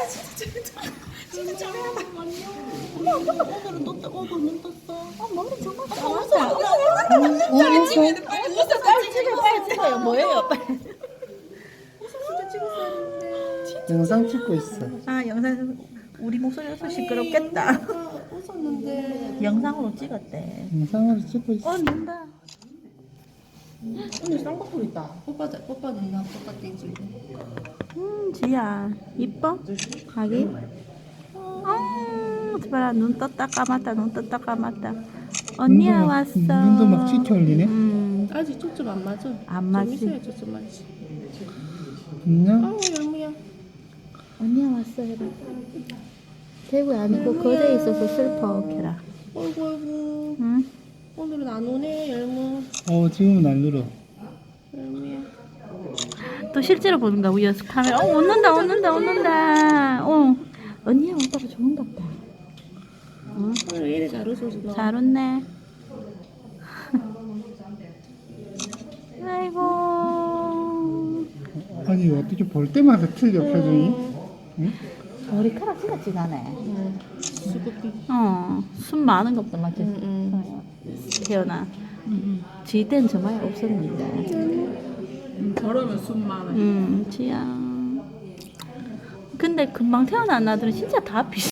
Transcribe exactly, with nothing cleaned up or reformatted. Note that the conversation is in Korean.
진짜 진짜 엄마 오늘은 또 떠, 오늘 눈 떴어. 아 머리 정말 잘한다. 어, 찍어야 돼. 빨리 웃어 빨리 찍어 빨리 찍어요. 뭐예요? 빨리. 웃어 찍었어야 되는데. 영상 찍고 있어. 아 영상 우리 목소리라서 시끄럽겠다. 웃었는데 영상으로 찍었대. 영상으로 찍고 있어. 어 눈다. 오늘 쌍꺼풀 있다. 뽀빠 뽀빠 누나 뽀빠 땡지고. 음 지야 이뻐? 가기? 어 봐라 눈 떴다 감았다 눈 떴다 감았다. 언니야 눈도 막- 왔어. 눈도 막 짙게 올리네. 음, 아직 초점 안 맞아. 안 맞지. 좀 있어야 초점 맞지. 안녕. 아우 열무야. 언니야 왔어 해봐. 대구에 아니고 거제에 있어서 슬퍼 캐라. 어이구 어이구. 응? 오늘은 안 오네 열무. 어, 지금은 안 늘어. 열무야. 또 실제로 보는가 우리 연습 카메라. 어 웃는다 웃는다 웃는다. 어 언니야 왔다가 좋은갑다. 어? 오늘 왜 이래 잘 웃어서 너. 잘 웃네. 아이고. 아니, 어떻게 볼 때마다 틀려, 표정이? 응? 머리카락 진짜 진하네. 응. 수급비. 어, 숨 많은 것도 맞지? 응, 응. 어, 태어나. 지 때는 저마이 없었는데. 저러면 숨 많아. 음, 지야. 근데 금방 태어난 아들은 진짜 다 비슷해.